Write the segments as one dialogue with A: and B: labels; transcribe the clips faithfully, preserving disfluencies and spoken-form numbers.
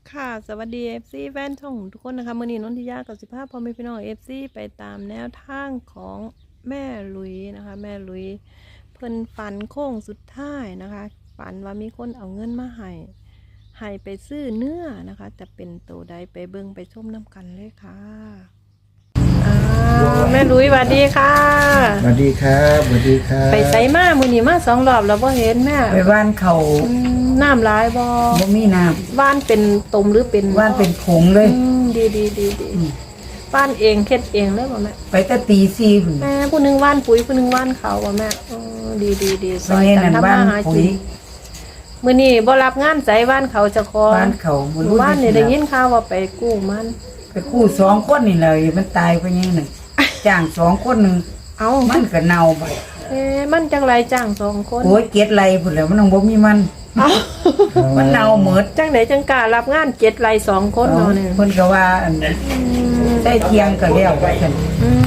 A: ค่ะสวัสดี เอฟ ซี แฟนช่องทุกคนนะคะมื่อนี้นนทิยากับสิบห้าพอมีพี่น้อง เอฟ ซี ไปตามแนวทางของแม่ลุยนะคะแม่ลุยเพิ่นฝันโค้งสุดท้ายนะคะฝันว่ามีคนเอาเงินมาให้ให้ไปซื้อเนื้อนะคะจะเป็นตัวใดไปเบิ่งไปชมน้ำกันเลยค่ะอ่าแม่ลุยสวัสดีค่ะ
B: สวัสดีครับสวัสดีครับ
A: ไปไสมามื้อนี้มาสองรอบแล้วบ่เห็นแม่
C: ไปว่านเขา
A: อืมน้ำหลายบ่
C: บ่มีน้
A: ว่านเป็นตมหรือเป็น
C: ำว่านเป็นผงเลย
A: อืมดีดีดีดีว่านเองเค็ดเองเลยบ่แม่
C: ไปแต่ตีสี่พุ่น
A: แม่ผู้หนึงว่านปุ๋ยผู้หนึงว่านเขาบ่แม่อ๋อดีดีดีซ
C: ตอ
A: อน ย
C: นี้
A: กัน
C: นั่น
A: ทำ
C: ว่าน
A: มาหา
C: ปุ๋
A: กิ
C: ย
A: นมื้อนี้บ่รับงานใจว่านเขาเจะคอ
C: ว่านเขาบ่
A: หมู่
C: รู้
A: บ้านนี่ได้ยินข่าวว่าไปกู้มัน
C: ไปคู่สองคนนี่เลยมันตายไปยังหนึ่งจ้างสองคนหนึ่ง
A: เอ้า
C: มันก็เน่าไป
A: เอ๊ะมันจังไรจ้างสองคน
C: โอ้ยเกลียดไรพุ่นแล้วมันต้องบ่มีมัน
A: เอ้า
C: มันเน่าหมด
A: จังไดจังกล้ารับงานเจ็ดไรสองคนเนาะเนี่ย
C: เพิ่นก็ว่าอันได้เที่ยงก็แล้วว่าซั่น
A: อืม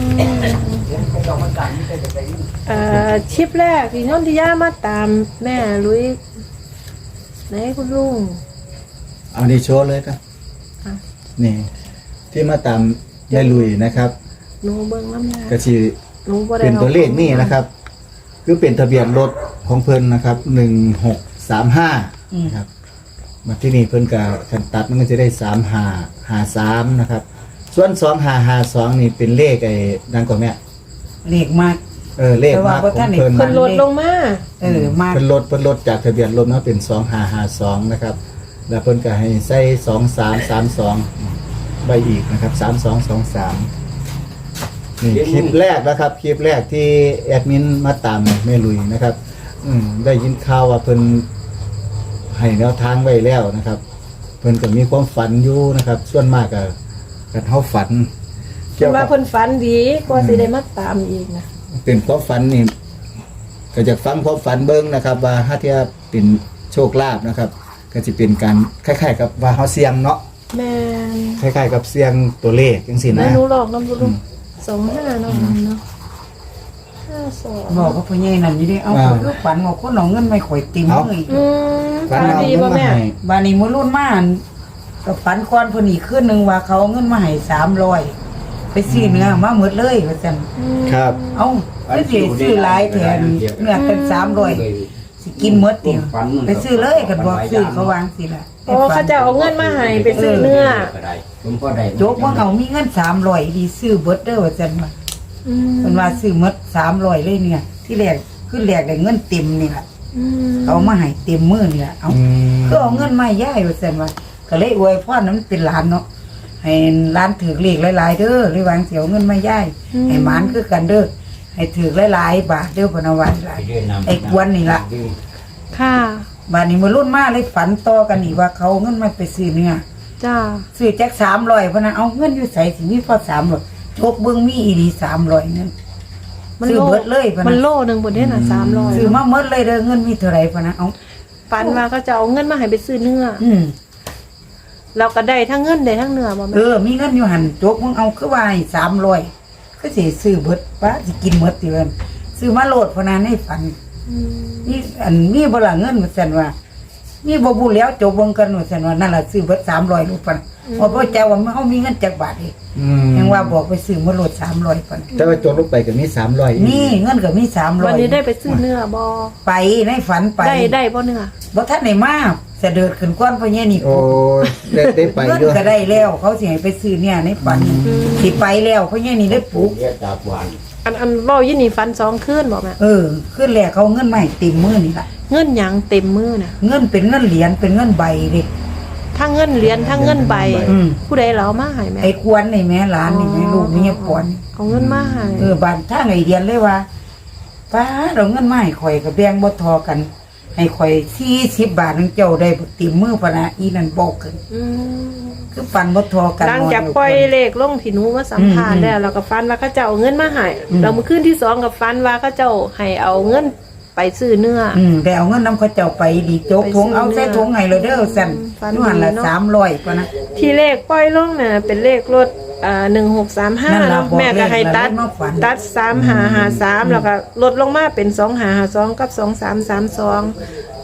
A: เอ่อชิปแรกที่นนทิยามาตามแม่ลุยไหนคุณลุง
B: เอาดีโชว์เลยครับ
A: อ่ะ
B: นี่ที่มาตามแม่ลุยนะครับ
A: หนูเบิ่งน้ำยา
B: ก็ชี
A: หนูบ่ได้
B: เป็นตัวเลขนี่นะครับ คือเป็นทะเบียนรถของเพิ่นนะครับหนึ่งหกสามห้านะครับมาที่นี่เพิ่นกับคันตัดมันก็จะได้สามหาหาสามนะครับ ส่วนสองหาหาสองนี่เป็นเลขไอ้นั่นก่อนแม่
C: เลขมาก
B: เออเลขมากของเพิ่น
A: เพิ่นลดลงมา
C: เออมาก
B: เพิ่นลดเพิ่นลดจากทะเบียนรถเนาะเป็นสองหาหาสองนะครับ แล้วเพิ่นก็ให้ใส่สองสามสามสองใบอีกนะครับสามสองสองสามนี่คลิปแรกนะครับ คลิปแรกที่แอดมินมาตามแม่ลุยนะครับ อืมได้ยินข่าวว่าเพิ่นให้แนวทางไว้แล้วนะครับ เพิ่นก็มีความฝันอยู่นะครับ ส่วนมากก็กันเฮาฝัน
A: เพิ่นว่าเพิ่นฝันดีกว่าสิได้มาตามอีกนะ
B: เป็นความฝันนี่ก็จะฟังความฝันเบิ่งนะครับ ว่าถ้าที่เป็นโชคลาภนะครับ ก็จะเป็นการคล้ายๆกับว่าเฮาเสี่ยงเนาะ
A: แม่น
B: คล้ายๆกับเสี่ยงตัวเลขจังซี่
A: แม่
B: นะ
A: หนูหลอกน้ำลุงสองห้าเนาะเนาะห้าสอง
C: บอกว่าพ่อใหญ่นั่นอยู่ดิเอาคนลูกฝันว่าคนเอาเงินไม่ข่อยติ่มมืออีก
A: อืม
B: ฝัน
A: ฝัน
B: เอา
A: ดี
B: เงิน
A: ป่ะ
B: มา
A: แม่
B: ให้
C: บานี้มื้อรุ่นมาอั่นก็ฝันก่อนเพิ่นอีกคืนหนึงว่าเขาเอาเงินมาให้สามร้อยไปซื้อเนื้อมาหมดเลยว่าซั่น
B: ครับ
C: เอ้าไปสิซื้อหลายแทนเนื้อเป็นสามร้อยสิกินหมดเดียวไปซื้อเลยกันบอกซื้อเขาวางสิล่ะ
A: โอ้เขาจะเอาเงินมาให้ไปซื้อเนื้อ
C: โจกว่าเขามีเงินสามร้อยดีซื้อเบิดเด้อว่าซั่นว่า
A: อืม
C: เพิ่นว่าซื้อหมดสามร้อยเลยเนี่ย ที่แรกคือแรกได้เงินเต็มนี่ล่ะ
A: อืม
C: เขามาให้เต็มมือนี่ล่ะเอ้า
B: อืม
C: ก็เอาเงินมาให้ยายว่าซั่นว่าก็เลยอวยพรนั้นเป็นหลานเนาะให้หลานถือเลขหลายๆเด้อเลยวางเสียวเงินมายายให้หมานคือกันเด้อให้ถือหลายๆบาทเด้อพนวัตหลายไอ้กวนนี่ล่ะ
A: ค่ะ
C: บาดนี้มื้อรุ่นมาเลยฝันต่อกันอีกว่าเขาเอาเงินมาไปซื้อเนื้อ
A: จ้า
C: ซื้อแจ็คสามร้อยพะนะเอาเงินอยู่ใส่สิมีพอสามร้อยโชคเบิ้งมีอีดีสามร้อยนั่นซื้อเบิดเลยพะ
A: มัน
C: นะ
A: โลหนึ่งบนนี้น่ะสามร้อย
C: ซื้อมาเมิดเลยเด้อเงินมีเท่าไหรพะนะเอา
A: ฝันว่าก็จะเอาเงินมาให้ไปซื้อเนื้อ
C: อืม
A: เราก็ได้ทั้งเงินได้ทั้งเนื้อบ่
C: เอ
A: แม่
C: อมีเงินอยู่หันโจกมึงเอาคือว่าให้สามร้อยก็สิซื้อเบิดป้าสิกินเมิดติเอิ้นซื้อมาโลดพะนะในฝัน
A: ม
C: นี่อันมีบ่ล่ะเงินว่าซั่นว่ามีบ่บุแล้วโจกเบิ่งกันว่าซั่นว่านั่นล่ะซื้อเบิดสามร้อยรูปพะนะเพราะพ่อแจ้ว่าเฮามีเงินจักบาทเอง
B: อืม
C: ยังว่าบอกไปซื้อมาโลดสามร้อยพัน
B: แต่ว่าโจรลงไปก็มีสามร้อย
C: นี่เงินก็มีสามร้อย
A: วันนี้ได้ไปซื้อเนื้อบ่
C: ไปในฝันไป
A: ได้ได้บ่เนื้อ
C: บ่ทันได้มาเสด็จขึ้นก้อนพ่อใหญ่นี่
B: โอ้ยได้ได้ไป
C: เงิน
B: ด้วย
C: ก็ได้แล้ว เขาสิให้ไปซื้อเนี่ยในฝันสิไปแล้วพ่อใหญ่นี่ได้ปลูก
A: อันอันเว้ายี่นี่ฟันสองคืนบ่แม่
C: เออขึ้นแรกเขาเงินมาให้เต็มมือนี่ล่ะ
A: เงินหยังเต็มมือน่ะ
C: เงินเป็นเงินเหรียญเป็นเงินใบเด้
A: ทั้งเงินเหรียญทั้งเงินใบ
C: อืม
A: ผู้ใดเราเอามาให้แม่
C: ไอ้ควรนี่แม่หลานนี่แม่ลูกนี่ปอน
A: เอาเงินมาให้
C: เออบานทางไอ้เรียนเลยว่าป้าเราเงินมาให้ข่อยก็แบ่งบ่ทอกัน ให้ข่อยสี่สิบบาทนึงเจ้าได้บ่เต็มมือพะนะอีนั่นบอกกัน
A: อืม
C: คือปันบ่ทอกัน
A: หลังจากปล่อยเลขลงที่หนูมาสัมภาษณ์แล้วเราก็ฟันว่าเขาเจ้าเอาเงินมาให้เราเมื่อคืนที่สองกับฟันว่าเขาเจ้าให้เอาเงินไปซื้อเนื้อ
C: อืมได้เอาเงินนำเขาเจ้าไปดีโจก
A: ไป
C: ทง
A: ซื้อ
C: เอาใส่ทงให้เลยเด้อสั่น
A: ฟัน
C: นู่นหั่นละ
A: ดีเนาะ
C: สามร้อยกว่านะ
A: ที่เลขปล่อยลงน่ะเป็นเลขรถอ่าหนึ่งหกสามห้า
C: นั่นล่ะบอก
A: แม่ก็ให้ตัด
C: เลขแล้วเลขมาฝัน
A: ตัดสามหาหาสามแล้วก็ลดลงมาเป็นสองหาหาสองกับสองสามสามสอง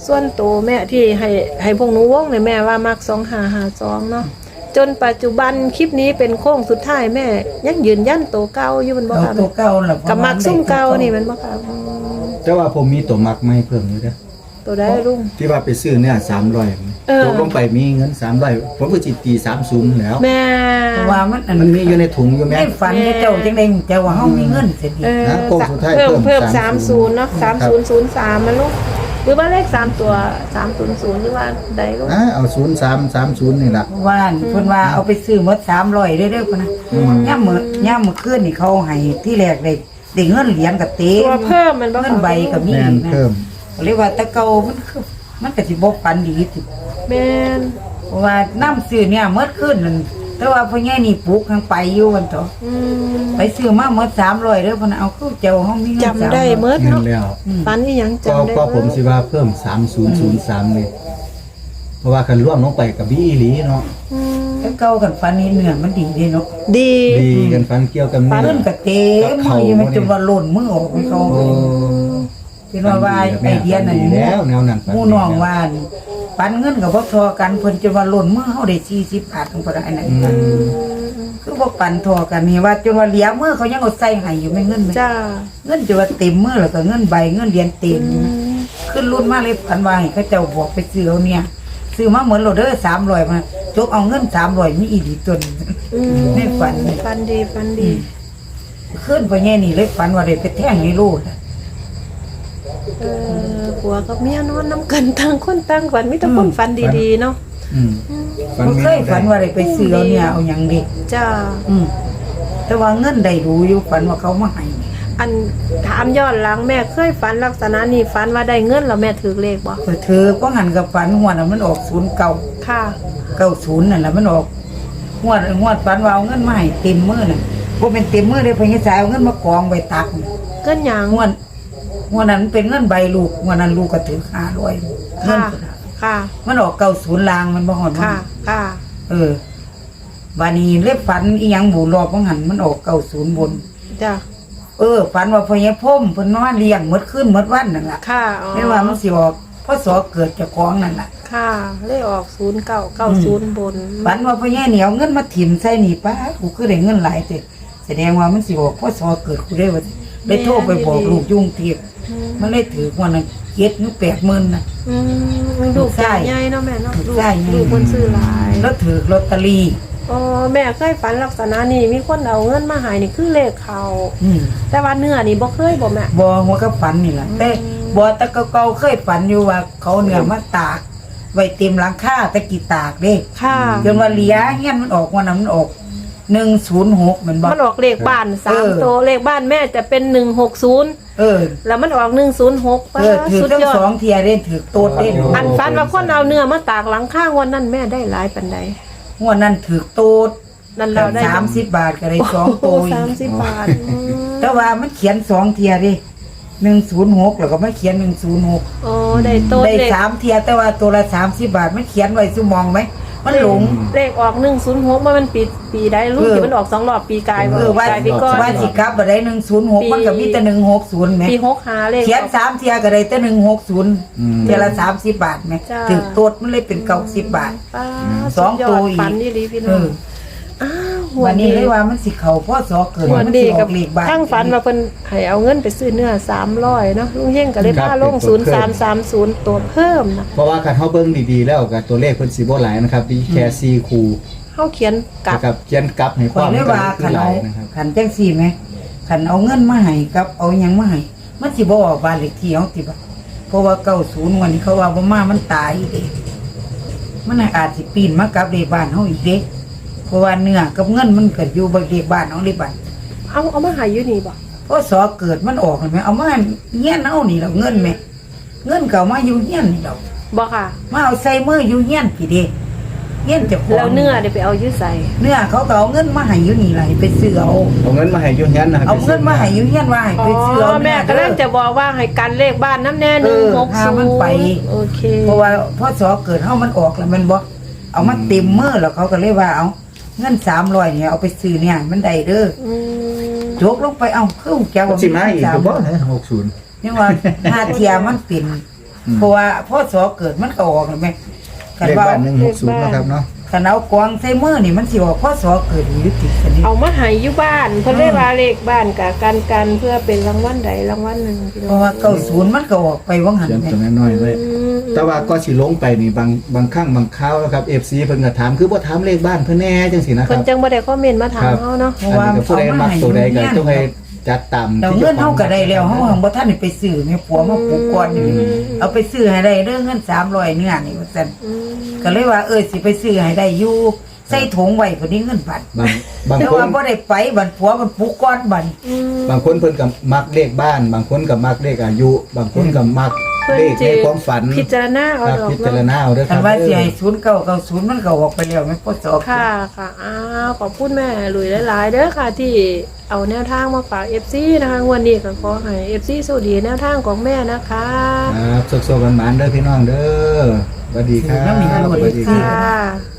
A: ส่วนตัวแม่ที่ให้ให้พวกหนูวงเนี่ยแม่ว่ามักสองหาหาสองเนาะจนปัจจุบันคลิปนี้เป็นโค้งสุดท้ายแม่ยังยืนยันตัวเก่าอยู่มันบ่
C: เอา
A: ค่ะ
C: ตัวเก่าล่ะ
A: กับมักซุ่มเก่านี่มันบ่ค่ะอืม
B: แต่ว่าผมมีตัวมักไม่เพิ่มอยู่เด้อ
A: ตัวได้ลุง
B: ที่ว่าไปซื้อเนี่ยสามร้อย
A: เออ
B: ตกลงไปมีเงินสามร้อยผมก็จิตตีสามศูนย์แล้ว
A: แม่
C: เพราะว่ามันอัน
B: มันมีอยู่ในถุงอยู่แม่
C: ในฝันเนี่ยเจ้าจังได๋เจ้าว่าเฮามีเงินเสียดี
A: เออ
B: นะโค้งสุดท้าย
A: เพิ่ม
B: เพิ่
A: เพิ่
B: ม
A: มสามศูนย์เนาะสามศูนย์ศูนย์สามมันลูกหรือว่าเลขสามตัวสามศูนย์ศูนย์หรือว่าใดลูก
B: อ่ะเอาศูนย์สามสามศูนย์นี่ล่ะ
C: เพราะว่าเพิ่นว่าเอาไปซื้อหมดสามร้อยเด้อๆพุ่นนะย่ามมื้อย่ามมื้อคืนนี่เขาให้ที่แรกได้ได้เงินเหรียญก็เต็
A: ตัว
C: ม
A: เพิ่มมันบ่
C: เงินใบก็มี
B: แม่น
C: นะ
B: เพิ่ม
C: เรียกว่าแตะเก่ามันคือมันก็สิบ่ปันดีสิ
A: แม่น
C: เพราะว่าน้ำซื้อเนี่ยหมดคืนนั่นแต่ว่าพ่อใหญ่นี่ปลูกทางไปอยู่วันต่อ
A: อืม
C: ไปซื้อมาหมดสามร้อยเด้อเพิ่นเอาคือเจ้าเฮามีเงิน
A: จำได้เมิด
B: เงิน
A: เนาะ
B: แล้ว
A: ฟันนี่ยัง
B: ก็
A: จำได้
B: ก็ผม
A: เด
B: สิว่าเพิ่มสามศูนย์ศูนย์สามเลยเพราะว่าคันร่วมลงไปกับบีอีหลีเนาะ
A: อืม
C: แต่เก่ากันฟันนี่เนื้อมันดีเด้เนาะ
A: ดี
B: ดีกันฟันเกี่ยวกับ
C: ฟั
B: เนื้
C: น
B: อ
C: ก็เต็มมืออยู่มันจนว่าหล่นมือออกของเขา
B: โอ้
C: เป็นว่าว่าไอเดียนั่น
B: ดีแล้วแนวนั้น
C: หมู่น้องว่าปันเงินก็บ่ทอกันเพิ่นจนว่าหล่นมือเฮาได้สี่สิบบาทของเพิ่นอันนั้น
B: อืม
C: คือบ่ปันทอกันนี่ว่าจนว่าเหลียมือเขายังเอาใส่ให้อยู่ไม่เงินไหม
A: จ้า
C: เงินจะว่าเต็มมือแล้วก็เงินใบเงินเหรียญเต็มอยู่นะขึ้นรุ่นมาเลยพันว่าให้เขาเจ้าบอกไปซื้อเอาเนี่ยซื้อมาเหมือนโหลดเด้อสามร้อยมาจกเอาเงินสามร้อยมีอีดีตัวหนึง
A: อืม
C: ในฝัน
A: ฟันดีฟันดี
C: ขึ้นไปแง่นี่เลยฝันว่าได้ไปแท่งในโลด
A: เออผัวกับเมียนอนน้ำกันต่างคนต่างฝันมีแต่คนฝันดีๆเนาะ
B: อืม
C: บ่เคยฝันว่าได้ไปซื้อเอาเนี่ยเอาหยังเด็ก
A: จ้า
C: อืมแต่ว่าเงินได้รู้อยู่ฝันว่าเขามาให้
A: อันถามย้อนหลังแม่เคยฝันลักษณะนี้ฝันว่าได้เงินแล้วแม่ถือเลขบ่
C: เออเธอก็หันกับฝันหัวน่ะมันออกศูนย์เก่า
A: ค่ะ
C: เก้าศูนย์นั่นแหละมันออกงวดงวดฝันว่าเอาเงินมาให้เต็มมือน่ะบ่เป็นเต็มมือเลยเพิ่นสายเอาเงินมากองไว้ตัก
A: เกินหยัง
C: งวดงวดนั้นเป็นเงินใบลูกงวดนั้นลูกก็ถือห้าร้อยเงิน
A: ค่ะ
C: พุ่นน่ะ
A: ค่ะ
C: มันออกเก้าศูนย์ลางมันบ่ฮอดมัน
A: ค่ะค่ะ
C: เออ บานี้เล็บฝันอีหยังบูรอบบ่หันมันออกเก้าศูนย์บน
A: จ้า
C: เออฝันว่าพ่อใหญ่พ่มเพิ่นนอนเลี้ยงหมดคืนหมดวันนั่นล่ะ
A: ค่ะอ๋อ
C: ไม่ว่ามันสิออกพศเกิดเจ้าของนั่นล่ะ
A: ค่ะเลขออกศูนย์เก้าเก้าศูนย์บน
C: ฝันว่าพ่อใหญ่เหนียวเงินมาถิ่มใส่นี่ป้ากูคือได้เงินหลายเด้แสดงว่ามันสิออกพศเกิดกูได้ว่าได้โทรไปบอกลูกยุ่งเทียบมันเลยถือว่านั้นเจ็ดหรือแปดหมื่นน่ะ
A: อืมลูกใหญ่เนาะแม่เนาะ
C: ลู
A: ลู
C: ก
A: ก
C: ชายใหญ่
A: ลูกคนซื้อหลาย
C: แล้วถือลอตเตอรี่
A: อ๋อแม่เคยฝันลักษณะนี้มีคนเอาเงินมาใหายนี่คือเลขเขา
C: อืม
A: แต่ว่าเนื้อนี่บ่เคยบ่แม่
C: บอหัวก็ฝันนี่แหละแต่บอแต่เก่าๆเคยฝันอยู่ว่าเขาเนื้อมาตาก ไว้เต็มหลังคาแตะกี้ตากเด้
A: ค่ะ
C: จนว่าเหลียเงี้ยมันออกวันนั้นมันออกหนึ่งศูนย์หกมันบอก
A: มันออกเลขบ้านสา
C: เอ
A: ม
C: อ
A: ตัวเลขบ้านแม่จะเป็นหนึ่งหกศูนย์
C: เออ
A: แล้วมันออกหนึ่งศูนย์หก
C: เออถือ
A: สุด
C: ทั้ง
A: ยอด
C: สองเทียเด่นถือโต๊ดเด่น
A: อันฝันว่าคนเอาเนื้อมาตากหลังข้างวันนั้นแม่ได้หลายปันใด
C: งวดนั้นถือโต๊ด
A: นั่นเราได้
C: สามสิบบาทก็ได้สอง
A: โอ้
C: โต๊ด
A: สามสิบบาทอืม
C: แต่ว่ามันเขียนสองเทียดิหนึ่งศูนย์หกแล้วก็ไม่เขียนหนึ่งศูนย์หก
A: โอ้ได้โต๊ะ
C: ได้
A: เลข
C: สามเทียแต่ว่าตัวละสามสิบบาทมันเขียนไว้ซุมองไหมมันหลง
A: เลขออกหนึ่งศูนย์หกมันปีปีได้รู้
C: เออ
A: ที่มันออกสองรอบปีกาย
C: เออว่า
A: ปีกายปีก่อน
C: ว่าสิกลับบ่ได้หนึ่งศูนย์หกมันก็มีแต่หนึ่งหกศูนย์ไหม
A: ปีหกหาเลข
C: เขียนสามเทียก็ได้แต่หนึ่งหกศูนย์
B: อืม
C: เทียละสามสิบบาทไหม
A: จ้า
C: ถือโต๊ดมันเลยเป็นเก้าสิบบาท
A: ป้า
C: สอง
A: ดย
C: ตัวอีก
A: ฝันนี่ลีพี่น้
C: เอ
A: อง
C: อ
A: อ้าวหัว
C: วันนี้
A: ดี
C: เลยว่ามันสิเขาพ่อสอเกิด
A: หัว
C: มัน
A: ดี
C: สิอ
A: กั
C: อบ กเลขบ้าน
A: ทั้งฝันมาเพิ่นให้เอาเงินไปซื้อเนื้อสามร้อยเนาะลุงเฮงก็เลย
B: ครับ
A: พาลง
B: เป็นตั
A: ศู
B: วน
A: ย์
B: เพิ่
A: สาม มสามศูนย์ตัวเพิ่มนะ
B: เพราะว่าการเฮาเบิ่งดีๆแล้วกับตัวเลขเพิ่นสิบ่หลายนะครับมีแค่สี่คู่
A: เขาเขียนกลับ
B: กับเขียนกลับให้ค
C: ข่อ
B: วาย ม
C: เลยว่า
B: คื
C: ขั
B: อน ห
C: เอา
B: ลายนะครับ
C: ขันจังสี่ไหมขันเอาเงินมาให้กับเอาหยังมาให้มันสิบ่ออกบ้านเลขที่เอาติบ่ะเพราะว่าเก้าศูนย์วันนี้เขาว่าบ่มามันตายเด้มันน่ะอาจสิปีนมากับเลขบ้านเฮาอีกเด้เพราะว่าเนื้อกับเงินมันก็อยู่บ่เลขบ้านเฮาเลขบ้าน
A: เอาเอามาใหายอยู่นี่บ่
C: พอสอเกิดมันออกเลยไหมเอามาเงี้ยนเอานี่เราเงินไหมเงินเก่ามาอยู่เงี้ยนนี่เรา
A: บ่ค่ะ
C: มาเอาใส่มืออยู่เงี้ยนพี่เด้เงี้ยนเจะของ
A: แล้วเนื้อเดี๋ยวไปเอาอยืดใส่
C: เนื้อเขาก็เอาเงินมาให้อยู่นี่ไรไปซื้อเอา
B: เอาเงินมาให้อยู่เฮียนนะครับ
C: เอาเงินมาให้อยู่เงี้ยนว่าให้
A: อ๋
C: ไปซื้อเอา
A: อแม่ก็เล่นจะบอกว่าให้กันเลขบ้านน้ำแน่หนึ่งหก
C: เออหา
A: ศู
C: มัน
A: น
C: ไป
A: ย์โอเค
C: เพราะว่าพอสอเกิดเฮามันออกแล้วมันบ่เอามาเต็มมือแล้วเขาก็เลยว่าเอาเงินสามร้อยเนี่ยเอาไปซื้อเนี่ยมันได้เด้อ
A: อืม
C: โจกลงไปเอาคือแกว่า
B: สิมาอีก
C: สาม
B: ก็บ่นะหกศูนย์
C: ยังว่าหาเทียมันเป็น
B: อืม
C: เพราะว่าพ่อสอเกิดมันก็ออกแล้วแม่คัน
B: เลข
C: ว่า
B: บ้านหนึ่งหกศูนย์นะครับเนาะ
C: คันเอากวางใส่มือนี่มันสิออกพ่อสอเกิดอยู่ติดกันนี่
A: เอามาใหายอยู่บ้านเพิ่นได้ว่าเลขบ้านกับกันกันเพื่อเป็นรางวัลใดรางวัลหนึ่งพี่น้
C: เพ
A: อง
C: ราะว่าเก้าศูนย์มันก็ออกไปว่างหัน
B: เขียน
C: แม่
B: ตัวน้อยๆไว้
A: อืม
B: แต่ว่าก็สิลงไปนี่บางบางครั้งบางคราวนะครับ เอฟ ซี เพิ่นก็ถามคือบ่ถามเลขบ้านเพิ่นแน่จังซี่นะค
A: เพิ่
B: รั
A: น
B: บ
A: จังบ่ได้คอมเมนต์มาถามเฮาเนาะ
C: เพราะว่า
B: อันนี้ก็ผู้ใดมักตัวใดก็ต้องให้จัดตาม
C: เรา
B: ที่
C: เงิน
B: จ้
C: เฮา
B: ของ
C: ก็ได้แล้วเฮาหังบ่ทันได้ไปซื้อแม่ผัวมาปลูกก่อนนี่เอาไปซื้อให้ได้เด้อเงินสามร้อยเนื้อนี่ว่าซั่น
A: อืม
C: ก็เลยว่าเออสิไปซื้อให้ได้อยู่ใส่ถุงไว้พุ่นนี้เงินบาท
B: บางบาง
C: แต่
B: คน
C: ว่าบ่ได้ไปบัดผัวมันปลูกก่อนบัด
A: อืม
B: บางคนเพิ่นก็มักเลขบ้าน บางคนก็มักเลขอายุ บางคนก็มัก
A: เพิ่น
B: เลข
A: สิ
B: ในความฝัน
A: พิจารณาเอา
B: ครับ
A: ดอก
B: พิจาร
A: เนาะ
B: ณาเอาเด้อค
C: คั
B: รั
C: น
B: บ
C: ว่าสิ
B: เด้อ
C: ให้ศูนย์เก้าเก้าศูนย์มันก็ออกไปแล้วแม่พ่อสอบ
A: ค่ะค่ะอ้าวขอบคุณแม่หลุยหลายๆเด้อค่ะที่เอาแนวทางมาฝาก เอฟ ซี นะคะงวันนี้ก็ขอให้ เอฟ ซี สวัสดีแนวทางของแม่นะคะ
B: ครับสุขๆหวานๆเด้อพี่น้องเด้อสวัสดีครับ
C: แล้วมีอร่อย
B: สวัสดีค
A: ค่
B: รับ
A: ะ